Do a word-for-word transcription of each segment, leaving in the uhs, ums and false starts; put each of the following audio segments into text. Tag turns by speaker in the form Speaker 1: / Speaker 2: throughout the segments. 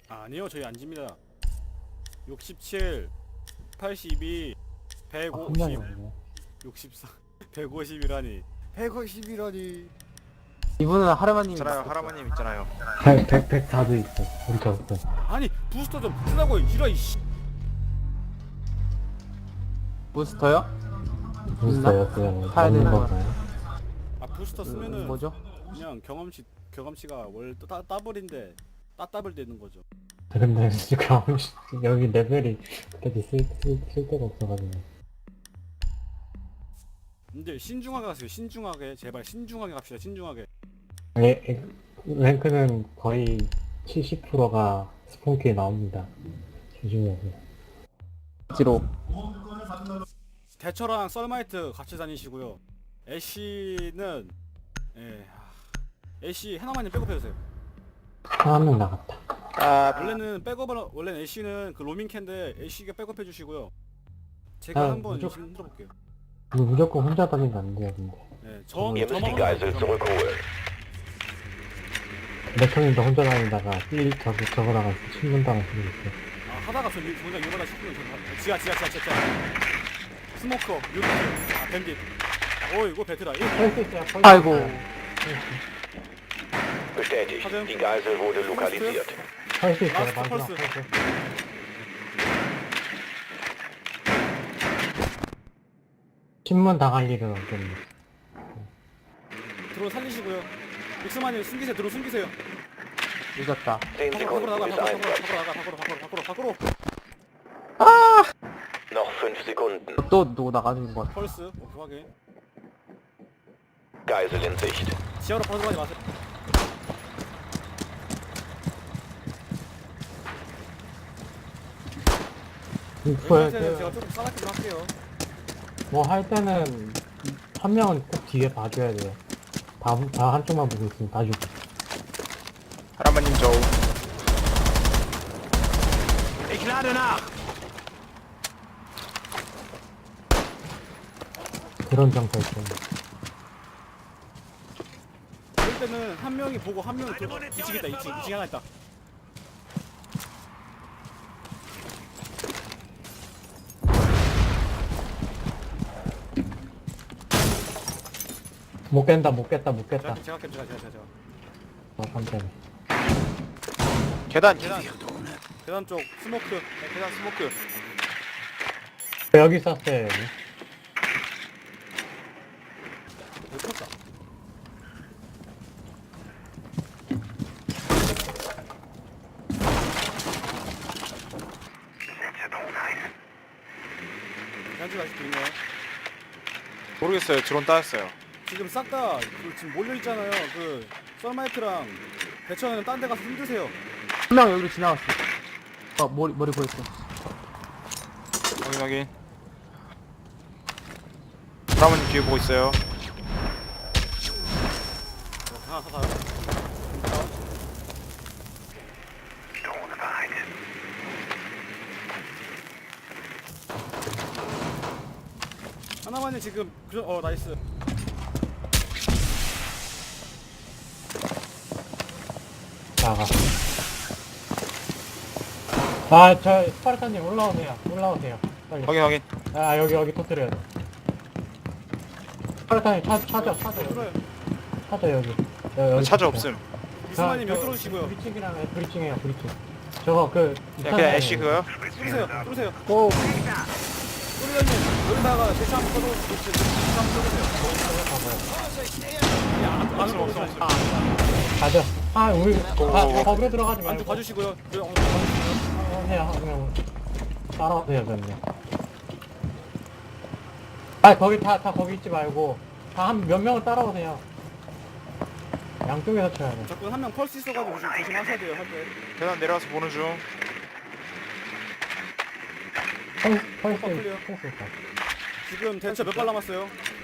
Speaker 1: 아니요, 저희 안 집니다. 육십칠, 팔십이,
Speaker 2: 아,
Speaker 1: 백오십,
Speaker 2: 한명이 없네.
Speaker 1: 육십사, 백오십이라니. 백오십이라니.
Speaker 2: 이분은 하르마님
Speaker 3: 있잖아요. 하라마님 있잖아요.
Speaker 2: 백, 백, 백사도 있어. 우리 저 없어.
Speaker 1: 아니, 부스터 좀 쓰라고 이라 이씨.
Speaker 2: 부스터요?
Speaker 4: 부스터였어요.
Speaker 2: 사야 되는 거.
Speaker 1: 아, 부스터 쓰면은
Speaker 2: 음, 뭐죠?
Speaker 1: 그냥 경험치 경험치가 원래 따, 따블인데 따따블 되는 거죠.
Speaker 4: 근데 지금 여기 레벨이 그렇게 쓸, 쓸, 쓸 데가 없어가지고.
Speaker 1: 근데 신중하게 가세요. 신중하게. 제발 신중하게 갑시다. 신중하게.
Speaker 4: 에, 에, 랭크는 거의 칠십 퍼센트가 스폰키에 나옵니다. 조심해서.
Speaker 2: 지로.
Speaker 1: 대처랑 썰마이트 같이 다니시고요. 애쉬는 예. 아, 애쉬 하나만님 백업해주세요.
Speaker 4: 한 명 나갔다.
Speaker 3: 아,
Speaker 1: 원래는 백업을 원래는 애쉬는 그 로밍캔데 애쉬가 백업해주시고요. 제가
Speaker 4: 아,
Speaker 1: 한번
Speaker 4: 무조건-
Speaker 1: 힘들어볼게요.
Speaker 4: 이거 무조건 혼자 다니면 안 돼요, 근데.
Speaker 1: 예, 정
Speaker 5: Ihr müsst die
Speaker 1: 저만
Speaker 5: Geisel zurückholen.
Speaker 4: 맥형님도 혼자 다니다가 일 저거 저거다가 신문 당할 수도 있어.
Speaker 1: 아, 하다가 저 일- 정작 이러다 싶으면 저 지하 지하 지하 지하 스모커 유비 아 밴딧 오 이거 베트다 이거
Speaker 4: 펄스 있어요, 펄스
Speaker 2: 아이고.
Speaker 4: 있어요.
Speaker 5: Bestätigt.
Speaker 1: Hat er-
Speaker 5: Die Geisel wurde lokalisiert.
Speaker 4: 펄스 있어요,
Speaker 1: 라스트
Speaker 4: 마지막
Speaker 1: 펄스.
Speaker 4: 펄스. 신문 당할 일은 없겠네.
Speaker 1: 드론 살리시고요. 믹스마님 숨기세요. 드론 숨기세요.
Speaker 2: 늦었다.
Speaker 5: zehn
Speaker 1: 밖으로 밖으로
Speaker 5: Sekunden
Speaker 1: 나가
Speaker 5: bis
Speaker 1: 밖으로
Speaker 5: Einsatz.
Speaker 1: 밖으로 나가 밖으로 밖으로 밖으로 밖으로
Speaker 5: Noch fünf Sekunden.
Speaker 2: 또 누구 나가는 거 같아.
Speaker 1: 펄스 오케이 확인.
Speaker 5: Geisel in Sicht.
Speaker 1: 지하로 벗어나지 마세요.
Speaker 4: 이거에
Speaker 1: 웬만해서는 제가 조금 싸납게 좀 할게요.
Speaker 4: 뭐할 때는 한 명은 꼭 뒤에 봐줘야 돼요. 다, 다 한쪽만 보고 있으면 다 죽어.
Speaker 3: 하라마님 저
Speaker 4: 그런 정서 있어요.
Speaker 1: 그럴 때는 한 명이 보고 한 명이 들어. 이층 있다. 이층 이층 하나 있다.
Speaker 4: 못 깬다, 못 깼다, 못 깼다.
Speaker 1: 제가 제가 할게요. 제가 제가 제가. 제가.
Speaker 4: 어, 깜짝이야.
Speaker 3: 계단 계단
Speaker 1: 계단 쪽 스모크.
Speaker 3: 네, 계단 스모크.
Speaker 4: 여기 있었어요, 여기.
Speaker 1: 못 쳤다. 계단쪽 아직도 있나요?
Speaker 3: 모르겠어요. 드론 따였어요.
Speaker 1: 지금 싹 다 그 지금 몰려 있잖아요. 그 썰마이트랑 대처는 딴 데 가서 힘드세요.
Speaker 2: 한 명 여기로 지나갔어. 어, 머리, 머리 보였어.
Speaker 3: 확인 확인. 하라마님 뒤에 보고 있어요.
Speaker 1: 하나 더 가요. 하나만이 지금 그, 어 나이스.
Speaker 4: 나가. 아, 저, 스파르타님 올라오세요. 올라오세요. 빨리.
Speaker 3: 확인 확인.
Speaker 4: 아, 여기, 여기 터뜨려야 돼. 스파르타님 찾, 찾아, 찾아, 여기.
Speaker 1: 들어요.
Speaker 4: 찾아, 여기. 여- 여기
Speaker 3: 차저
Speaker 4: 찾아.
Speaker 3: 없음.
Speaker 1: 이스마님
Speaker 4: 저-
Speaker 1: 여기 들어주시고요.
Speaker 4: 브리칭이랑 해, 브리칭해요, 브리칭. 저거, 그.
Speaker 3: 그냥 그냥 애쉬 그거요?
Speaker 1: 뚫으세요. 뚫으세요.
Speaker 4: 오,
Speaker 1: 뚫으려면 여기다가 대처 한번 써놓으시고 대처 한번 써주세요. 야, 안으로 없어. 아,
Speaker 4: 가자. 아, 우리,
Speaker 3: 오, 오,
Speaker 4: 아,
Speaker 3: 오.
Speaker 4: 거기로 들어가지
Speaker 1: 안쪽
Speaker 4: 말고.
Speaker 1: 봐주시고요. 그, 어, 봐주시고요.
Speaker 4: 어, 해요, 그냥. 따라오세요, 그냥. 아, 거기 다, 다 거기 있지 말고. 다 한 몇 명을 따라오세요. 양쪽에서 쳐야 돼.
Speaker 1: 자꾸 한 명 펄스 있어가지고 좀 조심하셔야 돼요. 할 때.
Speaker 3: 계단 내려와서 보는 중.
Speaker 4: 펄스, 펄스,
Speaker 1: 클리어.
Speaker 4: 펄스 있다.
Speaker 1: 지금 대처 몇 발 남았어요?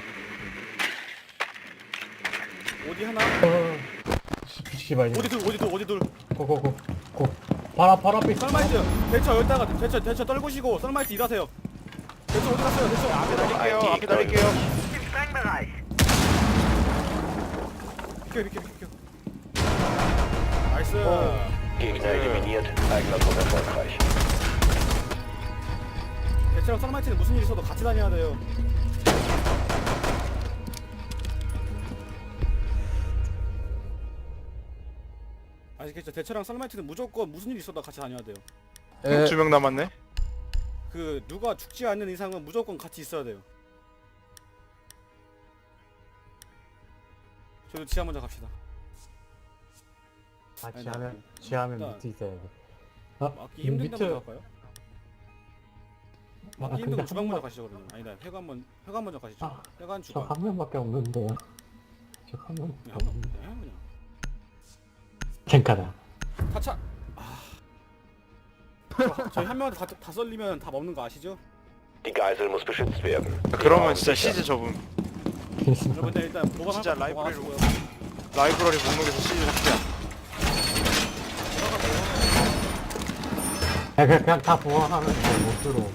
Speaker 1: 어디 하나?
Speaker 4: 어, 씨발,
Speaker 1: 어디 둘? 어디 둘? 어디 둘?
Speaker 4: 고고고. 고. 바로, 바로 앞에 있어.
Speaker 1: 썰마이트 대처 여기다가 대처 대처 떨구시고 썰마이트 일하세요. 대처 어디 갔어요? 대처
Speaker 3: 앞에 달릴게요. 앞에 달릴게요.
Speaker 1: 비켜 비켜 비켜. 나이스.
Speaker 5: Gegner eliminiert. Eigener Trupp erfolgreich.
Speaker 1: 대체랑 쌍마이트는 무슨 일 있어도 같이 다녀야 돼요. 아시겠죠? 대체랑 쌍마이트는 무조건 무슨 일 있어도 같이 다녀야 돼요.
Speaker 2: 에,
Speaker 3: 두 명 남았네.
Speaker 1: 그 누가 죽지 않는 이상은 무조건 같이 있어야 돼요. 저도 지하 먼저 갑시다.
Speaker 4: 아
Speaker 1: 아니,
Speaker 4: 지하면
Speaker 1: 나-
Speaker 4: 지하면
Speaker 1: 일단-
Speaker 4: 밑에 있어야 돼. 어?
Speaker 1: 막기 힘든 데
Speaker 4: 밑에
Speaker 1: 먼저 갈까요?
Speaker 4: 아,
Speaker 1: 막기 힘든
Speaker 4: 근데
Speaker 1: 거 주방 먼저
Speaker 4: 한 명-
Speaker 1: 가시죠 그러면. 아니다 회관 먼 회관 먼저 가시죠.
Speaker 4: 아,
Speaker 1: 회관
Speaker 4: 저
Speaker 1: 주방.
Speaker 4: 한 명밖에 없는데. 저 한 명밖에
Speaker 1: 그냥 한 명,
Speaker 4: 없는데.
Speaker 1: 그냥 그냥.
Speaker 4: 탱카다.
Speaker 1: 타차. 아. 저- 저희 한 명한테 다, 다 썰리면 다 먹는 거 아시죠?
Speaker 5: Die Geisel muss beschützt werden.
Speaker 3: 그러면 진짜
Speaker 5: sicher.
Speaker 3: 시즈 접음.
Speaker 1: 여러분들 일단 보관
Speaker 3: 진짜
Speaker 1: 보관
Speaker 3: 라이브러리로
Speaker 1: 하시고요.
Speaker 3: 라이브러리 목록에서 시즈 삭제야.
Speaker 4: 야, 그냥, 그냥 다 보호하면 못 들어.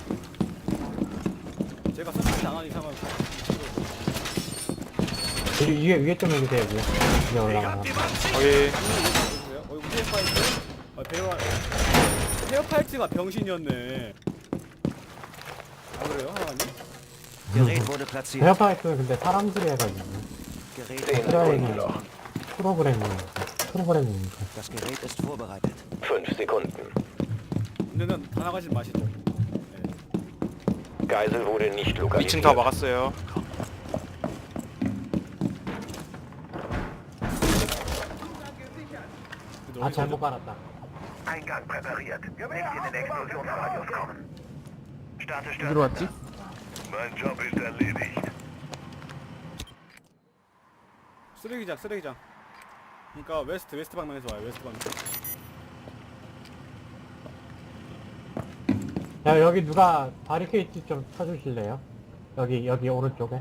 Speaker 1: 제가 설치 안한 이상은
Speaker 4: 위- 위에 위에 좀 해주세요 위에. 위에 올라가.
Speaker 3: 거기
Speaker 1: 보세요. 어, 이거 헤어 파이트. 아, 배우 헤어 파이트가 병신이었네. 아 그래요, 하나님?
Speaker 6: Gerät wurde platziert.
Speaker 4: 헤어파이트는 근데 사람들이 해가지고
Speaker 6: Gerät
Speaker 5: Zehn
Speaker 6: wurde
Speaker 5: Sekunden
Speaker 4: 필요한
Speaker 5: noch.
Speaker 4: 프로그램이니까 프로그램이니까.
Speaker 6: Das Gerät ist vorbereitet.
Speaker 5: Fünf Sekunden.
Speaker 1: 근데는 다 나가지 마시죠. 네.
Speaker 5: Geisel wurde nicht
Speaker 3: 이 층
Speaker 5: lokalisiert.
Speaker 3: 다 막았어요.
Speaker 1: 근데
Speaker 4: 아
Speaker 1: 어디서
Speaker 4: 잘못 깔았다.
Speaker 7: Eingang präpariert. Nicht in den Explosionsradius kommen. Starte
Speaker 2: 어디로 왔지?
Speaker 7: Mein Job ist erledigt.
Speaker 1: 쓰레기장, 쓰레기장. 그러니까 웨스트, 웨스트 방면에서 와요. 웨스트 방면.
Speaker 4: 야 여기 누가 바리케이트 좀 쳐주실래요? 여기 여기 오른쪽에.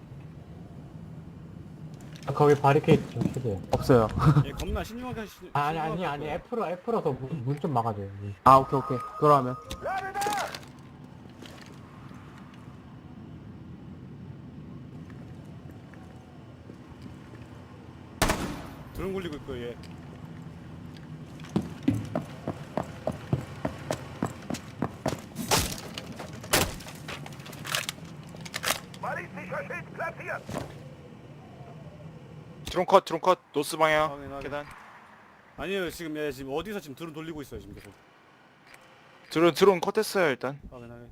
Speaker 4: 아, 거기 바리케이트 좀 쳐줘요.
Speaker 2: 없어요.
Speaker 1: 예, 겁나 신중하게 하시.
Speaker 4: 아, 아니 아니 아니 F로 F로서 문 좀 막아줘요.
Speaker 2: 아, 오케이, 오케이. 그러면.
Speaker 1: 드론 굴리고 있고 예.
Speaker 7: Ballistischer Schild platziert.
Speaker 3: 드론 컷, 드론 컷, 노스 방향.
Speaker 1: 확인, 확인.
Speaker 3: 계단.
Speaker 1: 아니요, 지금 예, 지금 어디서 지금 드론 돌리고 있어요, 지금 계속.
Speaker 3: 드론 드론 컷했어요 일단.
Speaker 1: 확인, 확인.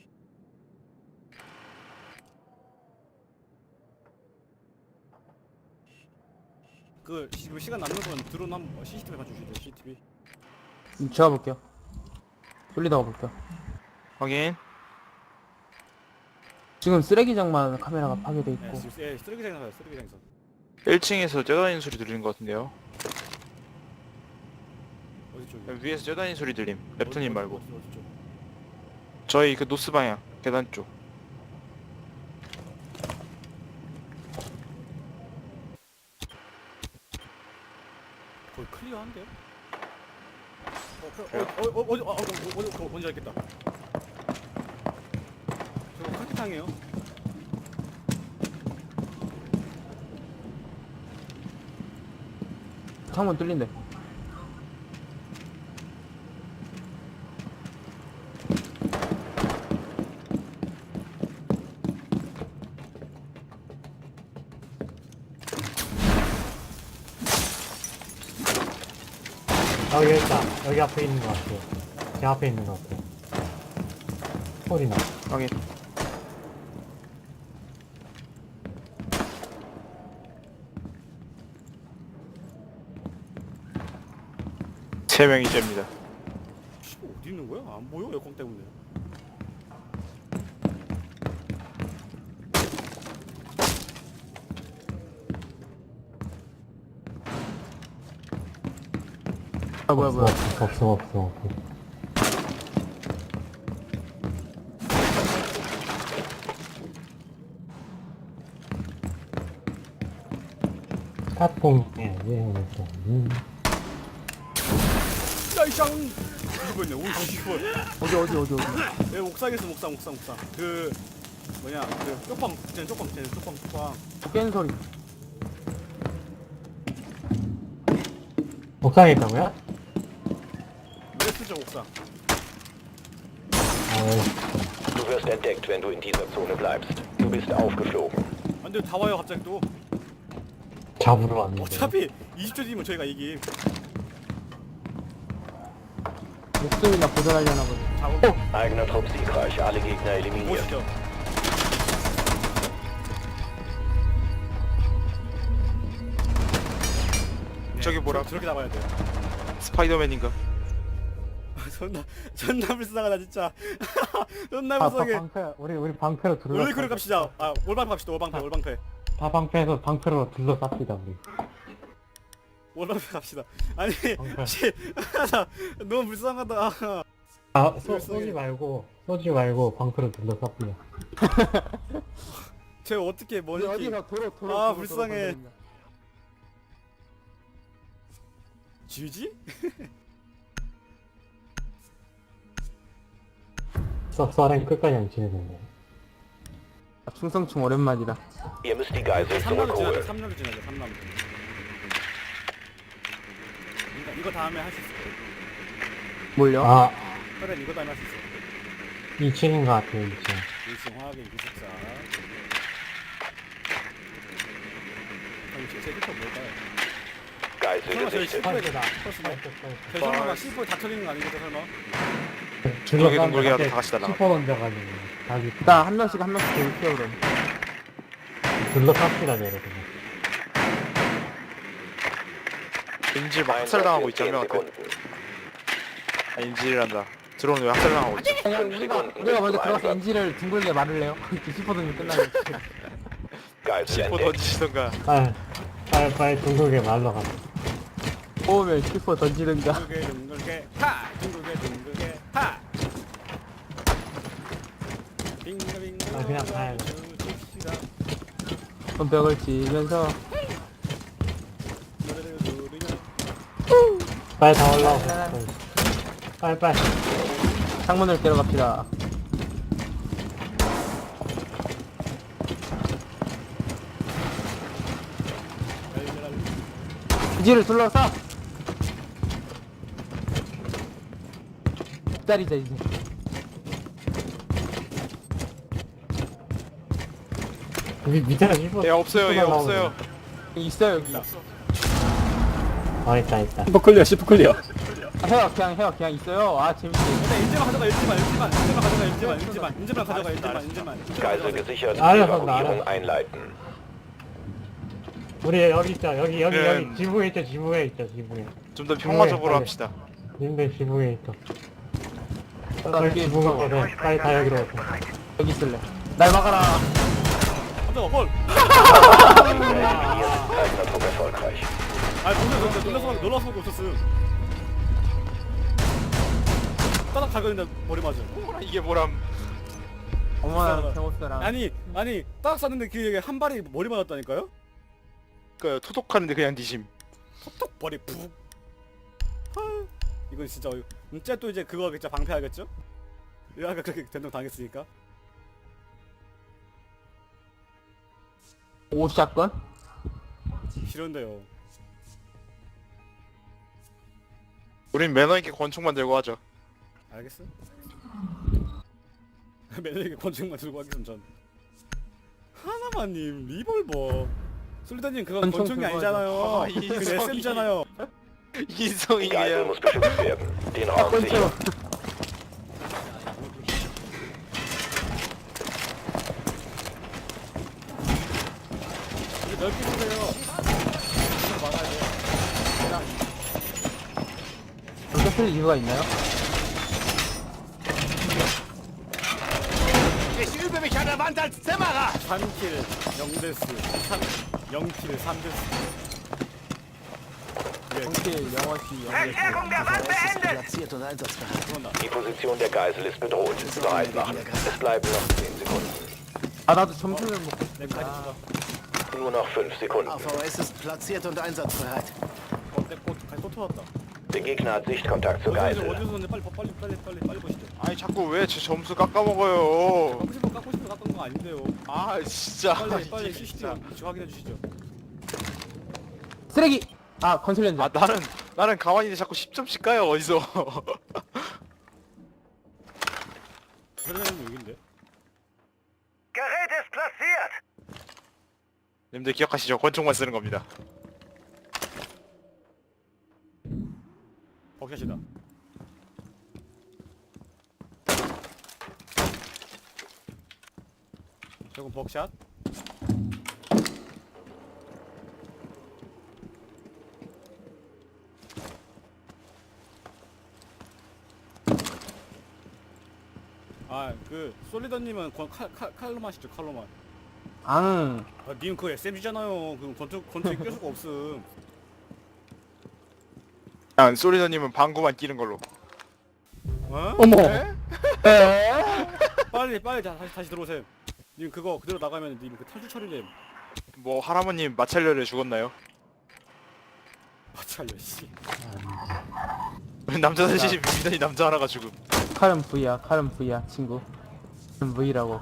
Speaker 1: 그 지금 시간 남는 건 드론 한번 씨씨티비 봐주시죠, 씨씨티비.
Speaker 2: 음, 제가 볼게요. 돌리다가 볼게요.
Speaker 3: 확인.
Speaker 2: 지금 쓰레기장만 카메라가 파괴돼
Speaker 1: 예,
Speaker 2: 있고.
Speaker 1: 지금 예, 쓰레기장에서 봐요, 쓰레기장에서.
Speaker 3: 일 층에서 쩌다니는 소리 들리는 것 같은데요.
Speaker 1: 어디 쪽이?
Speaker 3: 위에서 쩌다니는 소리 들림. 랩터님 말고.
Speaker 1: 어디, 어디 쪽?
Speaker 3: 저희 그 노스 방향 계단 쪽.
Speaker 1: 거의 클리어한데요? 어, 어, 어, 어, 어, 어디, 어, 어, 어, 어디, 어, 뭔지 알겠다. 저거 카키탕이에요.
Speaker 2: 창문 뚫린대.
Speaker 4: 어 여기 있다. 여기 앞에 있는 것 같아. 제 앞에 있는 것 같아. 소리 나.
Speaker 3: 확인. 세 명이 잽니다.
Speaker 1: 씨, 어디 있는 거야? 안 보여, 에어컨 때문에.
Speaker 2: 아, 뭐야, 뭐야.
Speaker 4: 없어 없어 없어. 없어. 스타폰에 왜 있어? 음.
Speaker 1: 야이쌍! 이거 있네. 오, 씨발.
Speaker 2: 어디, 어디, 어디, 어디.
Speaker 1: 예, 옥상에서 옥상, 옥상, 옥상. 그 뭐냐, 그 쪽방, 쟤는 쪽방, 쟤는 쪽방, 쪽방.
Speaker 2: 깨는 소리.
Speaker 4: 옥상에 있다고요?
Speaker 1: 쓰죠 옥상.
Speaker 4: 아유,
Speaker 5: Du wirst entdeckt, wenn du in dieser Zone bleibst. Du bist aufgeflogen.
Speaker 1: 안돼 다 와요 갑자기 또.
Speaker 4: 잡으러 왔는데.
Speaker 1: 어차피 이십 초 뒤면 저희가 이기.
Speaker 2: 목숨이나 보존하려나 보네.
Speaker 1: 잡고
Speaker 5: Eigener Trupp siegreich. Alle Gegner eliminiert.
Speaker 1: 보시죠.
Speaker 3: 저기 뭐라?
Speaker 1: 저렇게 잡아야 돼요.
Speaker 3: 스파이더맨인가?
Speaker 1: 존나 존나 불쌍하다 진짜. 존나
Speaker 4: 아, 바,
Speaker 1: 불쌍해.
Speaker 4: 방패, 우리, 우리 방패로 둘러.
Speaker 1: 올리크로 갑시다. 아 올방패 갑시다. 올방패 올방패.
Speaker 4: 다 방패에서 방패로 둘러쌉시다, 우리.
Speaker 1: 올방패 갑시다. 아니
Speaker 4: 방패.
Speaker 1: 씨, 나 너무 불쌍하다.
Speaker 4: 아, 쏘,
Speaker 1: 불쌍해.
Speaker 4: 쏘지 말고, 쏘지 말고 방패로 둘러쌉시다.
Speaker 1: 쟤 어떻게
Speaker 2: 우리
Speaker 1: 뭐지?
Speaker 2: 어디서 도로 도로
Speaker 1: 아,
Speaker 2: 도로,
Speaker 1: 불쌍해.
Speaker 2: 도로 건드린다.
Speaker 1: 쥐지?
Speaker 4: 써, 써렌 끝까지 안 치는데.
Speaker 2: 아, 충성충 오랜만이다.
Speaker 5: Ihr müsst die Geisel
Speaker 1: 삼 라운드 지나자.
Speaker 5: zurückholen.
Speaker 1: 삼 라운드 지나자. 삼 라운드. 그러니까 이거 다음에 할 수 있어.
Speaker 2: 뭘요?
Speaker 4: 아,
Speaker 1: 그래 이거 다음에 할 수 있어.
Speaker 4: 이 층인 것 같아요, 이 층.
Speaker 1: 일층 화학의 기숙사. 그럼 제 캐릭터 뭘까요?
Speaker 5: Geisel
Speaker 1: 설마 저희
Speaker 5: gesichtet.
Speaker 1: 시포에
Speaker 4: 다
Speaker 1: 컸으면 저 설마 막 시포에 다 터지는 거 아니겠죠 설마?
Speaker 3: 둥글게 둥글게라도 다 같이 날아가.
Speaker 4: 슈퍼 던져가지고. 다시
Speaker 2: 일단 한 명씩 한 명씩 돌게요 그럼.
Speaker 4: 둘러쌉시다, 내려, 그냥.
Speaker 3: 인질 막 학살당하고 있지 한 명한테. 아 인질이란다. 드론 왜 학살당하고 있지?
Speaker 2: 그냥 우리가 우리가 먼저 들어가서 엔지를 둥글게 말을 해요. 슈퍼등이 끝나면.
Speaker 5: Geisel
Speaker 3: 뭐
Speaker 5: entdeckt.
Speaker 3: 던지시던가.
Speaker 4: 빨리, 빨리, 빨리 둥글게 말러 가자.
Speaker 2: 뽑으면 슈퍼 던지든가.
Speaker 1: 둥글게 둥글게 하! 둥글게 둥글게 하! 빙글빙글
Speaker 4: 아, 그냥 가야 돼.
Speaker 1: 줍시다.
Speaker 2: 그럼 벽을 치면서
Speaker 1: 노래를 부르며
Speaker 4: 빨리 다 올라오고. 빨리, 빨리.
Speaker 2: 창문을 깨러 갑시다. 기지를 둘러싸. 기다리자 이제.
Speaker 4: 여기 밑에가 슈퍼.
Speaker 3: 얘 없어요 얘
Speaker 4: 슈퍼가
Speaker 3: 없어요.
Speaker 4: 나오네.
Speaker 2: 있어요 여기.
Speaker 4: 아, 있다, 있다.
Speaker 1: 시프클리어 시프클리어
Speaker 2: 아, 해요 그냥 해요 그냥 있어요. 아 재밌지.
Speaker 1: 근데 인제만 가져가 인제만 인제만 인제만 가져가 인제만 인제만 인제만 가져가 인제만 인제만
Speaker 5: Geisel gesichert.
Speaker 4: Alle von
Speaker 5: Evakuierung
Speaker 4: da.
Speaker 5: einleiten.
Speaker 4: 우리 여기 있자, 여기, 여기,
Speaker 3: 네.
Speaker 4: 여기. 지붕에 있자, 지붕에 있자, 지붕에.
Speaker 3: 좀 더 평화적으로
Speaker 4: 빨리.
Speaker 3: 합시다.
Speaker 4: 님들 지붕에 있어.
Speaker 2: 나
Speaker 4: 빨리
Speaker 2: 여기
Speaker 4: 지붕 가서 돼. 빨리 다 여기로 오세요.
Speaker 2: 여기 있을래. 날 막아라.
Speaker 1: 깜짝아 헐
Speaker 5: Eliminiert. Eigener Trupp erfolgreich.
Speaker 1: 아 놀라서 놀라서 놀라서 보고 없었음 따닥 갈거는데 머리 맞아
Speaker 3: 이게 뭐람?
Speaker 2: 어머나 경호사랑.
Speaker 1: 아니 아니 따닥 쐈는데 그게 한 발이 머리 맞았다니까요?
Speaker 3: 그 토독하는데 그냥 뒤심.
Speaker 1: 톡톡 머리 푹 헐. 이건 진짜 어이- 진짜 또 이제 그거 진짜 방패하겠죠? 아까 그렇게 된동 당했으니까
Speaker 2: 오샷건?
Speaker 1: 싫은데요
Speaker 3: 우린 매너 있게 권총만 들고 하죠.
Speaker 1: 알겠어? 매너에게 권총만 들고 하겠음 전 하나만님 리볼버 솔리다님 그건
Speaker 2: 권총
Speaker 1: 권총이
Speaker 2: 들고
Speaker 1: 아니잖아요
Speaker 3: 하죠. 아, 이
Speaker 1: 그건
Speaker 3: 성이.
Speaker 1: 에스엠잖아요
Speaker 5: Die Geisel
Speaker 3: 이성이에요.
Speaker 5: muss beschützt werden. Den Raum sichern.
Speaker 1: 이제 넓게 보세요 이거 막아야 돼요
Speaker 2: 이렇게 쓸 이유가 있나요?
Speaker 1: 삼 킬 영 데스 삼 영 킬 삼 데스 예,
Speaker 2: 정치 영어시 영어.
Speaker 7: Verstärkung der Wand beendet!
Speaker 6: Platziert und einsatzbereit.
Speaker 1: 들어온다
Speaker 5: Die Position der Geisel ist bedroht. Bereit machen. Es bleiben noch zehn Sekunden.
Speaker 2: 아 나도 점수를 먹고
Speaker 1: 내
Speaker 2: 싶다.
Speaker 1: 카드 주다
Speaker 5: Nur noch fünf Sekunden.
Speaker 6: A V S ist platziert und einsatzbereit.
Speaker 1: 어, 내 꽃, 또 터졌다
Speaker 5: Der Gegner hat Sichtkontakt zur
Speaker 1: 어디서
Speaker 5: Geisel.
Speaker 1: 어디서 오는데 빨리 빨리 빨리 빨리 빨리 보시죠
Speaker 3: 아니 자꾸 왜 제 점수 깎아먹어요?
Speaker 1: 깎고 싶어 깎고 싶어 깎은 거 아닌데요
Speaker 3: 아 진짜.
Speaker 1: 빨리 빨리
Speaker 3: 이게
Speaker 1: 시시죠
Speaker 3: 진짜.
Speaker 1: 지금 확인해 주시죠
Speaker 2: 쓰레기. 아 건설 현장.
Speaker 3: 아 나는 나는 가만히 있는데 자꾸 십 점씩 까요 어디서.
Speaker 1: 설레는 여긴데.
Speaker 7: Gerät ist platziert.
Speaker 3: 님들 기억하시죠? 권총만 쓰는 겁니다.
Speaker 1: 벅샷이다. 저건 벅샷? 아, 그 솔리더님은 권- 칼, 칼, 칼로만 하시죠, 칼로만.
Speaker 2: 앙.
Speaker 1: 아, 님 그거 에스엠지잖아요. 그럼 권투 권투에 낄 수가 없음.
Speaker 3: 아, 소리더님은 방구만 끼는 걸로.
Speaker 1: 어?
Speaker 2: 어머.
Speaker 3: 에?
Speaker 1: 빨리 빨리 다, 다시 다시 들어오세요. 님 그거 그대로 나가면 님 그 탈출 처리됨.
Speaker 3: 뭐 할아버님 마찰열에 죽었나요?
Speaker 1: 마찰려 씨.
Speaker 3: 남자 셋이 미더니 남자 하나가 죽음.
Speaker 2: 칼은 V야, 칼은 V야, 친구. 칼은 V라고.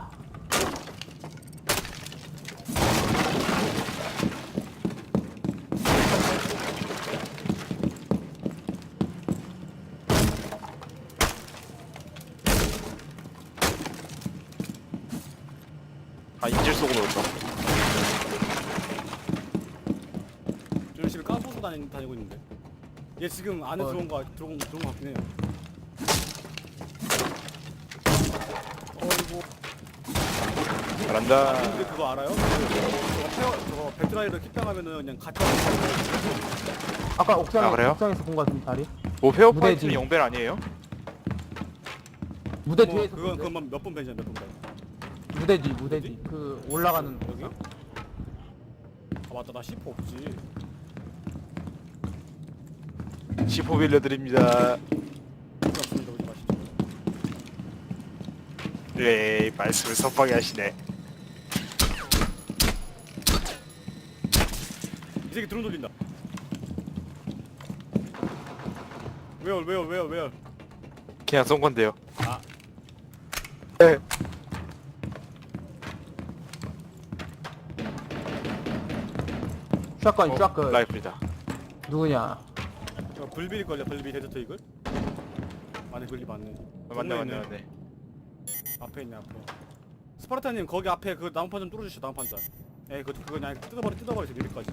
Speaker 3: 아 인질 속으로 넣었다.
Speaker 1: 저 열심히 까부고 다니, 다니고 있는데. 얘 지금 안에
Speaker 2: 어.
Speaker 1: 들어온 거 들어온 들어온 거 같긴 해요. 어이구.
Speaker 3: 잘한다.
Speaker 1: 근데 그거 알아요? 그, 저거 페어 저거 배트라이를 킥당하면은 그냥 같이 하는
Speaker 2: 아까 옥상에,
Speaker 3: 아, 그래요?
Speaker 2: 옥상에서 본 거 같은 다리?
Speaker 3: 뭐
Speaker 2: 무대
Speaker 3: 페어파이트는
Speaker 2: 뒤.
Speaker 3: 영벨 아니에요?
Speaker 2: 무대
Speaker 1: 뭐,
Speaker 2: 뒤에서
Speaker 1: 그건
Speaker 2: 본데?
Speaker 1: 그건 몇번 벤이야 몇번 벤.
Speaker 2: 무대 뒤, 무대 뒤. 그 올라가는
Speaker 1: 여기? 아 맞다 나 씨포 없지.
Speaker 3: 시포 빌려드립니다.
Speaker 1: 필요 없으니까 오지 마시죠.
Speaker 3: 네, 말씀을 섭하게 하시네.
Speaker 1: 이 새끼 드론 돌린다. 왜요 왜요 왜요 왜요?
Speaker 3: 그냥 쏜 건데요.
Speaker 1: 아.
Speaker 3: 네.
Speaker 2: 샷건,
Speaker 3: 어,
Speaker 2: 샷건.
Speaker 3: 라이프이다.
Speaker 2: 누구냐?
Speaker 1: 저 불빌 걸려 불빌 데저트 이글? 맞네 불비 맞네.
Speaker 3: 어, 맞네
Speaker 1: 정면에
Speaker 3: 맞네
Speaker 1: 있네.
Speaker 3: 맞네.
Speaker 1: 앞에 있네 앞에. 스파르타님 거기 앞에 그 나무판 좀 뚫어주시오 나무판 잘. 에이 그거 그거 그냥 뜯어버리 뜯어버리세요 미리까지.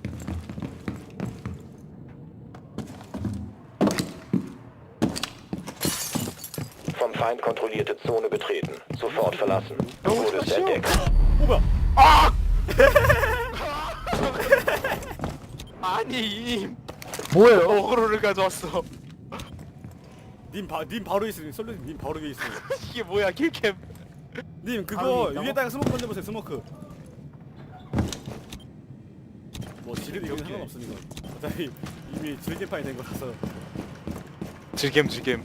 Speaker 5: Vom Feind kontrollierte Zone betreten. Sofort verlassen. Du wurdest entdeckt.
Speaker 1: 오 뭐야?
Speaker 3: 아니 이님
Speaker 2: 뭐예요?
Speaker 3: 어그로를 가져왔어.
Speaker 1: 님, 바, 님 바로 있으니 솔루님 님 바로 위에 있으니.
Speaker 3: 이게 뭐야 킬캠.
Speaker 1: 님
Speaker 2: 바로
Speaker 1: 그거
Speaker 2: 있다고?
Speaker 1: 위에다가 스모크 던져보세요 스모크. 뭐 지르도 이건 상관없으니까. 어차피 이미 즐개판이 된 거라서.
Speaker 3: 즐겜 즐겜.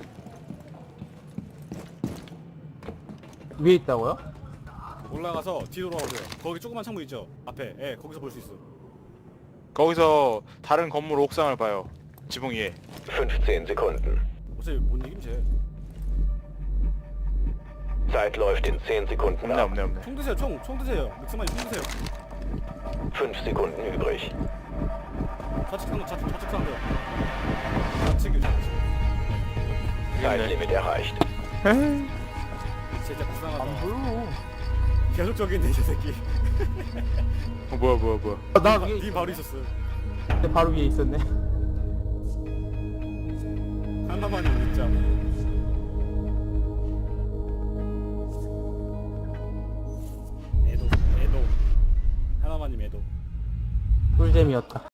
Speaker 2: 위에 있다고요?
Speaker 1: 올라가서 뒤로 돌아오세요. 거기 조그만 창문 있죠? 앞에. 예, 거기서 볼 수 있어.
Speaker 3: 거기서 다른 건물 옥상을 봐요. 지붕 위에.
Speaker 5: fünfzehn Sekunden.
Speaker 1: 어차피 못 이김 쟤.
Speaker 5: Zeit läuft in zehn Sekunden
Speaker 3: 없네
Speaker 5: ab.
Speaker 3: 없네 없네.
Speaker 1: 총 드세요 총. 총 드세요. 믹스만이 총 드세요.
Speaker 5: fünf Sekunden übrig.
Speaker 1: 좌측 상도 좌측 좌측 상도. 좌측이 좌측.
Speaker 5: Zeitlimit erreicht.
Speaker 1: 진짜 불쌍하다.
Speaker 2: 안 보여.
Speaker 1: 계속적인데 저 새끼.
Speaker 3: 어 뭐야 뭐야 뭐야.
Speaker 2: 아, 나 위에
Speaker 1: 니 바로 있었어.
Speaker 2: 있었는데 바로 위에 있었네.
Speaker 1: 하나만이 진짜. 애도 애도. 하나만님 애도.
Speaker 2: 꿀잼이었다.